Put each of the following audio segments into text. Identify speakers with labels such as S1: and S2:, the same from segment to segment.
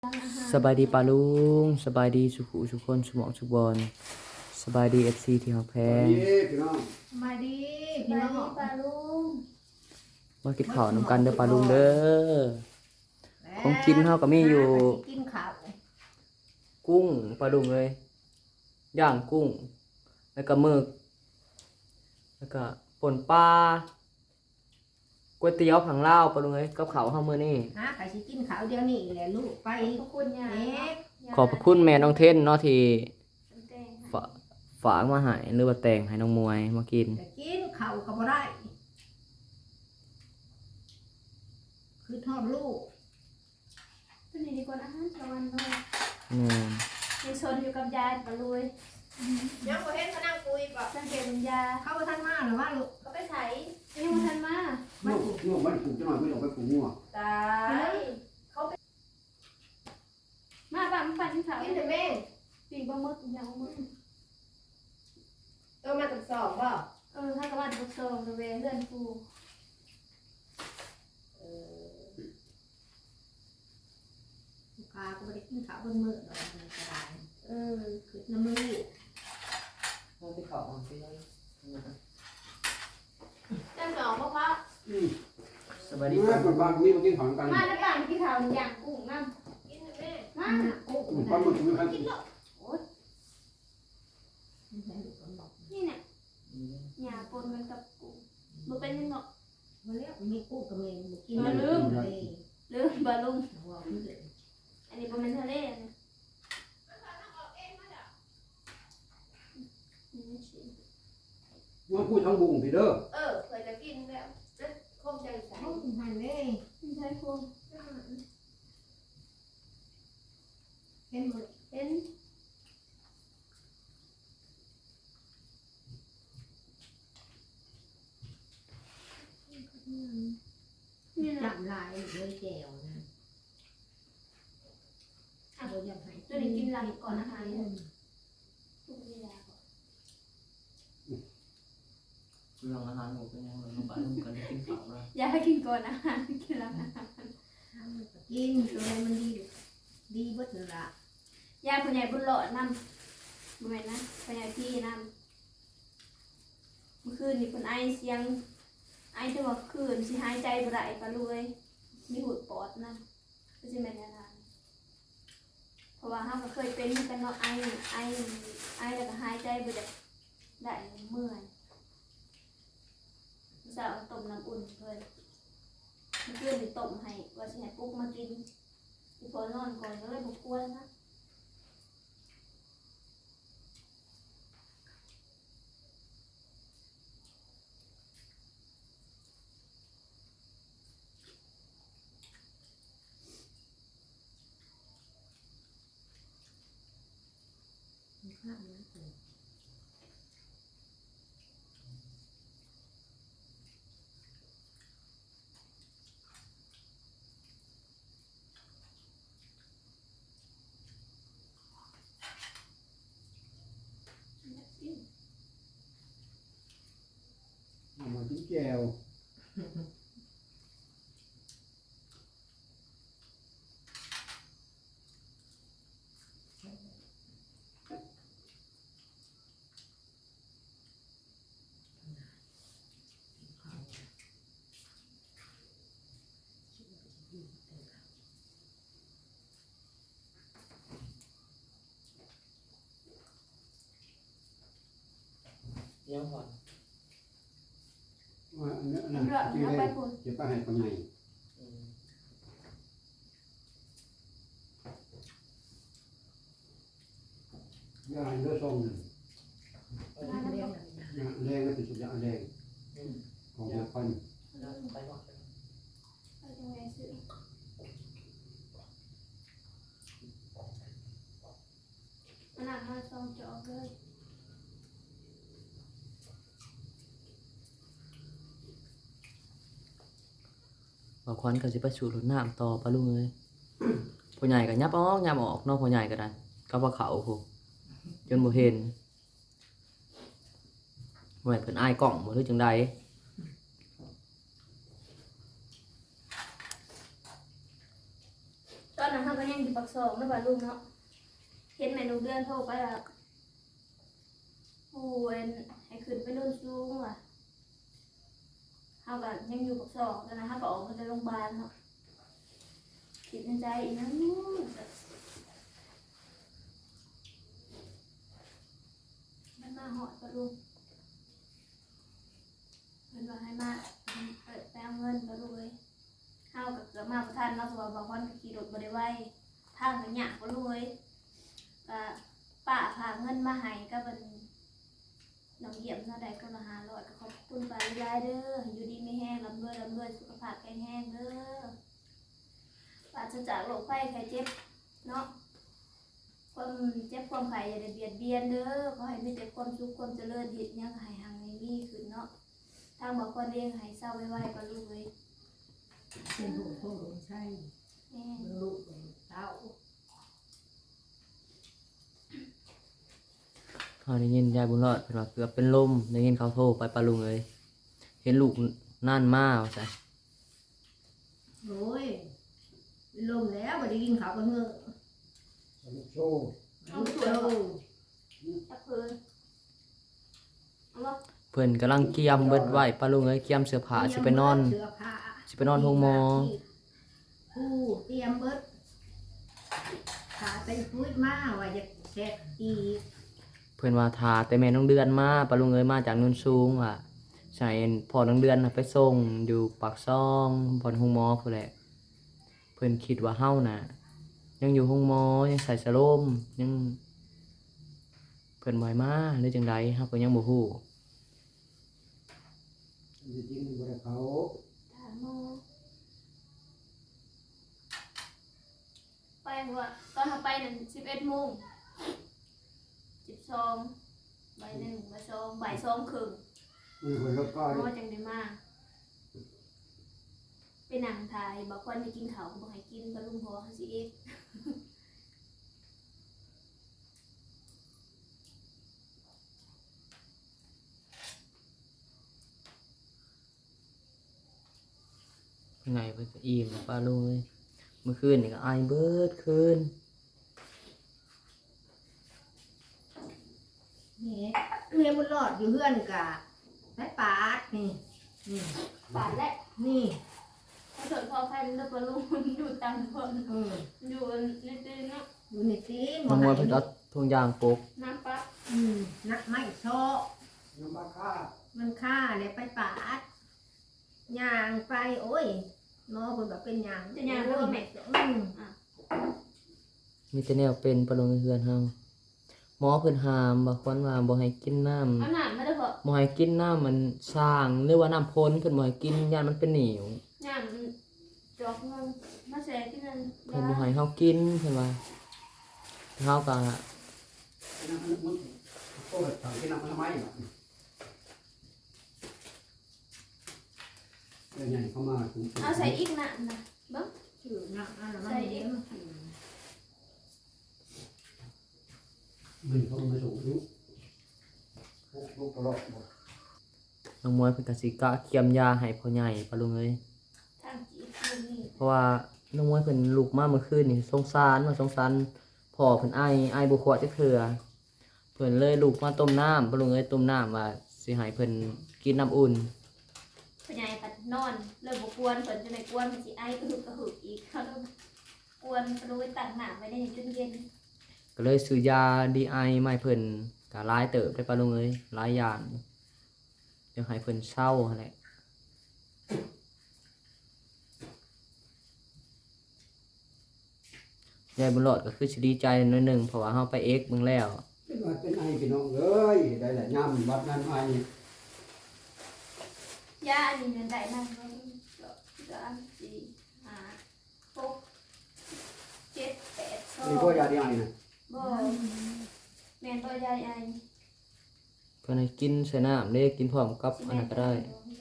S1: สบายดีปาลุงสบายดีสุขุสุคนสุหมองสุบอลสบายดีFCที่ฮักแพง
S2: พี่น้อง
S3: มาดี
S4: ส
S3: พี่
S4: บาย
S3: น้อ
S4: ดี
S3: ง
S4: ปลาลุง
S1: มากินข้าวนำกันเด้อปาลุงเด้อของกินเฮาก็มีอยู่
S3: กินข้าว
S1: กุ้งปลาลุงเลยย่างกุ้งแล้วก็หมึกแล้วก็ป่นปลาก๋วยเตี๋ยวผังลาวปลาลุงเอ้ยกับข้าวเฮามื้อนี้
S3: ฮะใครสิกินข้าวเดี๋ยวนี้แหละลูกไป
S4: ขอบคุณยา
S3: เอ๊ะ
S1: ขอบพระคุณแม่น้องเทนเนาะที่
S4: แตง
S1: ฝากมาให้หรือว่าแต่งให้น้องมวยมากิน
S3: จะกินข้าวก็บ่ได้คือทอดลูก
S4: ตัวนี้ดีกว่าอาหารตะวันเลย
S1: แม่น
S4: ในชนอยู่กับยายปลาลุย
S3: ยังบ่เห็นเขานั่งคุยบ่
S4: สังเกตเป็นยา
S3: เข้าบ่ทันมาหรือว่าลูก
S4: ก็ไปใส่ยังมาทันมา
S2: ง่วงมันปลูกจะหน่อยไม่ออกไปปลูกง่วง
S4: ตายมาบ้านมันปั่นที่เขา
S3: กินแต่แม่
S4: ปีกปลาหมึกอย่างมึก
S3: มาตรวจสอบบ่
S4: ถ้ากับบ้านบุกโซ่บริเวณเลื่อนฟู
S3: ลูกค้าก็บ่ได้กินข้าวเบิ่งมื้อดอกมันก็ได้คือน้ำมือ
S1: มาที่ข้าวอ่อนไปเลย
S4: จังสองเพราะ
S1: สบายดี
S2: นี่
S1: ปา
S2: คนบ้านนี้มากินของกัน
S4: มาในบ้านที่เขาอย่างกุ้งน้ำ
S3: กินแต่แม่
S4: มา
S3: กุ้ง
S2: ปลาหมึกไม่คัน
S4: กินหรอก นี่เนี่ยหยาปนกันกับกุ้งมันเป็นยังไง
S3: มาแล้วมีกุ้งกับแม่บ่กิน
S4: ลืมบาลุง
S3: ว่าเพิ่น
S4: อันนี้เป็นทะเลนะ
S2: ง่วงพูดทั้งบุ้งพี่เด้อ
S3: เคยจะกินแล้วคงใจใส่หันเลย
S4: ไม่ใช่พวง
S3: เห็นหมด
S4: เห็น นี่นะ
S3: จับลายเลยแจวนะเราอยากให้
S4: ตัวนี้กินหลังก่อนอาหารทุกเวลาก่อน
S1: เรื่องอาหารหมูเป็นยังไงน้องปาลุงกันกินข้าวนะ
S4: อย่าให้กินก่อนอาหารกินหลังอาหาร
S3: กินตัวนี้มันดีเบิดเลยละ
S4: ยาผู้ใหญ่บุญหลอดนำบ่แม่นนะผู้ใหญ่พี่นำเมื่อคืนนี่คนไอเสียงไอจนว่าคืนสิหายใจบ่ได้ปะลุยมีหูดปอดนำก็สิแม่นแนวนั้นเพราะว่าเฮาก็เคยเป็นเหมือนกันเนาะไอแล้วก็หายใจบ่ได้เมื่อยสาวต้มน้ำอุ่นเพิ่นเมื่อคืนนี่ต้มให้ว่าสิให้ปลุ๊กมากินอีพอนอนก่อนก็เลยบ่กวนนะ
S3: ข้าวนะ
S2: มากินแก้ว
S1: ยังผ่อน
S2: อันนี้
S4: เอาเรือเอาไปพุ่น
S2: เดี๋ยวป้าให้ปังไงยาเลือดส้มหนึ่ง
S3: เรียก
S2: แรงก็ติดสุดยาแรงของยาพัน
S1: ไปก่อน
S4: ไปจังไงซื้อมันหนักมาซองจอกเลย
S1: บ่ควันก็สิไปสู่รถน้ำต่อปาลุงเอ้ยพ่อใหญ่ก็ยับออกยับออกเนาะพ่อใหญ่ก็ได้ก็ว่าเขาพูจนบ่เห็นบ่ให้เพิ่นอายกล้องบ่หรือจังใด
S4: ตอนนั้นเขาก็ยังอยู่ปักซองนะป่าลุงเนาะเห็นแม่ลูกเดือนโทรไปว่าโอ้ยให้ขึ้นไปนู่นสูงว่ะเขาก็ยังอยู่ปักซองตอนนั้นเขาก็ออกมาจากโรงพยาบาลเนาะคิดในใจอีกนะมันมาหอดป่าลุงมันว่าให้มาเปิดแปลงเงินป่าลุงเลยเฮากับเกือบมาประทานเนาะเพราะว่าบางวันก็ขี่รถบ่ได้ไวทางก็ยากป่าลุงเลยก็ป้าพาเงินมาให้ก็เป็นน้องเยี่ยมเท่าใดก็มา500ก็ขอบคุณป้าหลายเด้ออยู่ดีไม่แห้งร่ำรวยสุขภาพแข็งแรงเด้อปราศจากโรคภัยไข้เจ็บเนาะความเจ็บความไข้อย่าได้เบียดเบียนเด้อขอให้มีแต่ความสุขความเจริญเฮ็ดหยังให้หังให้มีขึ้นเนาะทางบอกคนเลี้ยงให้เศร้าไว้ๆก็ลูกเลย
S3: เป็นหูโคงใช่
S4: แม่
S3: ลูกเต้า
S1: เขาได้ยินยายบุญรอดเพิ่นว่าเกือบเป็นลมได้ยินเขาโทรไปปะลุงเอ้ยเห็นลูกนั่นมาว่าซั่น
S3: โอ้ยเป็นลมแล้วบ่ได้กินข้าวกันเมื่อ
S2: ลูกโซ่
S3: ลูกโต
S4: จับเพิ่นเอาบ่
S1: เพิ่นกำลังเกียมเบิดไว้ปะลุงเอ้ยเกียมเสื้อผ้าสิไปนอน
S3: เสื้อผ้า
S1: สิไปนอนโรงหมอ
S3: ผู้เตรียมเบิดขาเป็นพุ้ยมาว่าจะแซ่บอีก
S1: เพิ่นว่าทาแต่แม่น้องเดือนมาปะลุงเอ้ยมาจากโนนสูงว่ะใช่พ่อน้องเดือนน่ะไปส่งอยู่ปากซองบ่อนโรงหมอพุ่นแหละเพิ่นคิดว่าเฮาน่ะยังอยู่โรงหมอยังใส่สโลมยังเพิ่นบ่ให้มาหรือจังใดเฮาก็ยังบ่ฮู้
S2: จริงๆบ่ได้เขา
S4: ถามโมไปว่าตอนเราไปนั่น11 โมง12บ่าย1บ่าย2บ่าย2ครึ่ง
S2: มีคนรถก็
S4: หมอจังได้มาไปนั่งถ่ายบอกคนให้กินข้าวบ่ให้กินก็ลุงพอเขาสิเอ็ด
S1: ไงเพิ่นก็อิ่มป้าลุงเอ้ยเมื่อคืนนี่ก็อายเบิดคืน
S3: นี่เมียบุญรอดอยู่เฮือนกะไปปาดนี่นี่
S4: บาดและ
S3: นี่
S4: เขาสอนพอใครแล้วก็ลุงอยู่ตามคน
S3: เออ
S4: อยู่ในตีนเนาะ
S3: อยู่ในตีน
S1: น้องมวยเพิ่นเอาทุงยางปก
S4: น้ำปั๊บ
S3: นักไม่ชอ
S2: น้ำปลาค่า
S3: มันฆ่าเลยไปปาดย่างไปโอ้ยหมอคนแบบเป็นย่างโอ้ย
S1: มีแต่แนวเป็นป้าลุงเฮือนเฮาหมอเพิ่นห้ามบ่ควรว่าบ่ให้กินน้ำ
S4: เอาหนามมาเด้อพอ
S1: บ่ให้กินน้ำมันสร้างหรือว่าน้ำพ้นเพิ่นบ่ให้กินยานมันเป็นเหนียว
S4: หนามจอกเงินมาแสที่นั่น
S1: เพิ่นบ่ให้เฮากินเพิ่นว่าเฮาก็
S2: น้ำมันโซ่ถังที่น้ำมันทำไมเนาะเดี๋ยวใหญ่เข้ามาถึง
S4: เอาใส่อีกหนามนะเบิ้ง
S3: ชื่อนักอะไรมันเลี้ยง
S2: มันเข้ามาสูงลูกตลอดหมด
S1: น้องมวยเพิ่นก็สิกะเคียมยาให้พ่อใหญ่ป้าลุงเอ้ย
S4: ทางจีบนี่
S1: เพราะว่าน้องมวยเพิ่นลุกมาเมื่อคืนนี่สงสารว่าสงสารพ่อเพิ่นไอบ่ขวดจักเทื่อเพิ่นเลยลุกมาต้มน้ำป้าลุงเอ้ยต้มน้ำว่าสิให้เพิ่นกินน้ำอุ่น
S4: พ่อใหญ่ปัดนอนเลยบ่กวนเพิ่นจะไม่กวนมันสิไอกระหึกกระหึกอีกเขาต้องกวนปลุยตั้งหน้าไว้ในจนเย็น
S1: ก็เลยซื้อยาดีไอมาให้เพิ่นก็หลายเติบได้ป้าลุงเอ้ยหลายอย่างเดี๋ยวให้เพิ่นเศร้าหั่นแหละยายบุญรอดก็คือสิดีใจหน่อยหนึงเพราะว่าเฮาไปเอ็กซ์เบิ่งแล้ว
S2: เป็นว่าเป็นไอพี่น้องเอ้ยได้แหละย่ำวัดนั้นไอย
S4: าอันนี้มันได้มากเลย3 4 5 6 7 8
S2: มีพวกยาดีไอนะ
S4: บ่แม่นบ่ยายไอ
S1: เพิ่นให้กินใส่น้ำเด้กินพร้อมกับอันนั้นก็ได้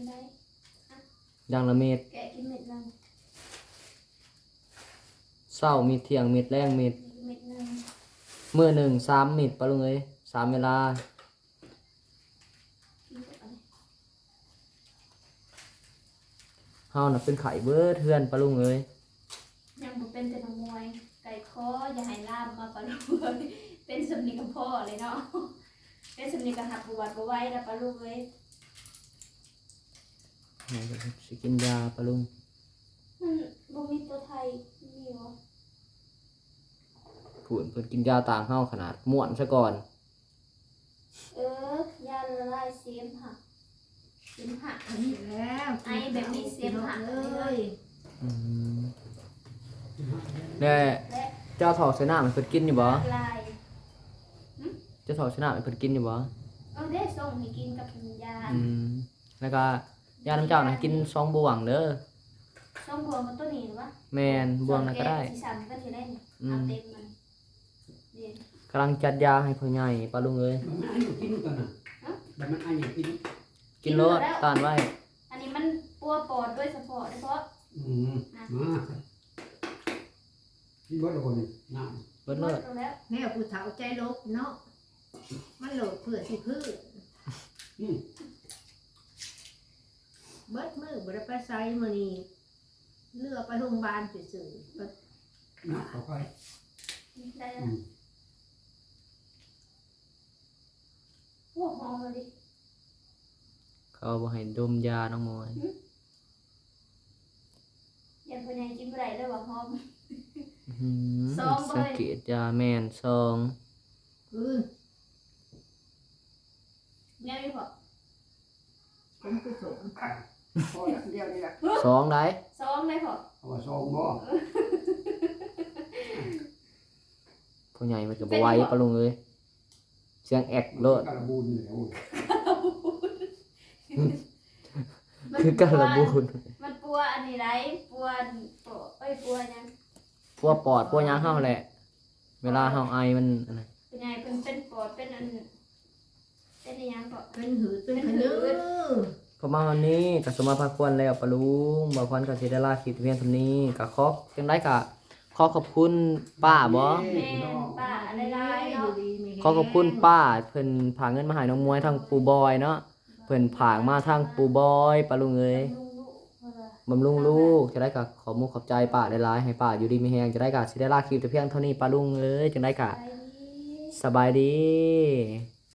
S1: อย่างละเม็ด
S4: แกะกินเม็ดนึง
S1: เช้าเม็ดเที่ยงเม็ดแรงเม็ด
S4: เม็ดนึง
S1: มื้อหนึ่ง3เม็ดป้าลุงเอ้ย3เวลา
S4: กินกับอะไร
S1: เฮาน่ะเป็นไข้เบิดเฮือนป้าลุงเอ้ย
S4: ยังบ่เป็นแต่นักมวยไก่คออย่าให้ล่ามมาปะลูกเป็นสำนีกับพ่อเลยเนาะเป็นสำนีกับหักบวชบ่ไหว้แล้วปะลูกเอ้ย
S1: สิกินยาปะลุง
S4: มันบ่มีตัวไทยมีบ่
S1: ผุ่นเพิ่นกินยาต่างเฮาขนาดม่วนซะก่อน
S4: ยาละลายเสมหะเสมหะ
S3: อันนี้แล้ว
S4: ไอแบบมีเสมหะ
S3: เล
S4: เลย
S3: ย
S1: อืมแล้ว
S4: และ
S1: เจ้าถอกใส่น้ามันเพิ่นกินอยู่บ่
S4: ละลาย
S1: เจ้าถอกใส่น้ามันเพิ่นกินอยู่บ่
S4: เอาได้ส่งให้กินกับยา
S1: อืมแล้วก็ยาน้ำเจ้านะกิน2บ่วงเด้อ
S4: ส่งบวงมาตัวนี้หรือวะ
S1: แม่นบ่วงนั้นก็ได้
S4: สีสันก็สิได้นี่เอาเต็มมันนี่
S1: กำลังจัดยาให้พ่อใหญ่ปะลุงเอ้ย
S2: มันอันอยู่กินกันนะแต่มันอันอยู่กิน
S1: กินโลดต้านไว้
S4: อันนี้มันปัวปอดด้วยเฉพาะเพราะ
S2: มากินเบิดละคนนี่น้
S1: เบิดเลิศ
S4: แล้ว
S3: แม่ผู้เฒ่าใจลบเนาะมันโหลดเพื่อสิพื้น
S2: ำ
S3: เบิดมือบ่ได้ไปไสมื้อนี้เลือกไปโรงพยาบาลซื่อๆ
S2: น้ำเข้าไป
S4: ได้แล้วโอ้หอมเลย
S1: เขาบ่ให้ดมยาน้องมวย
S4: ยันพญายกินบ่ได้เลยว่าหอม
S1: อื้อ
S4: ซ
S1: หื
S4: อ
S1: อง
S4: บ่
S1: สังเกตยาแม่นซอง
S4: เนี่ยมีพอ
S3: ผมคือสม
S2: พออย่างเดียวนี่แหละ
S1: ซองได้
S4: ซองได้พอ
S2: เอาว่าซองบ่
S1: พ่อใหญ่มันก็บ่ไหวปะลุงเอ้ยเสียงแอกโลด
S2: กระบูนเลยโอ้ย
S1: คือการระบูน
S4: มันปัวอันนี้ไรปัวปัวยัง
S1: พวกปอดพวกหยังเฮาแหละ เวลาเฮาไอมันอันนั้น
S4: เป็นไงเป็นปอดเป็นอันเป็นยังก็
S3: เป็นหืดเป็นขนือ
S1: ประมาณวันนี้ก็สมมาพาควรแล้วปะลุงบ่ควรก็สิได้ลาคลิปเพียงเท่านี้ก็ขอจังได๋ก็ขอขอบคุณป้าบ่
S4: แม่ป้าอะไรไรเนาะ
S1: ขอขอบคุณป้าเพิ่นผากเงินมาให้น้องมวยทางปู่บอยเนาะเพิ่นผากมาทางปู่บอยปะลุงเอ้ย บำรุงลูกจะได้กะขอมุกขอบใจป้าได้หลายให้ป้าอยู่ดีมีแฮงจะได้กะสิได้ลาคลิปแต่เพียงเท่านี้ป้าลุงเอ้ยจังได้กะสบายดี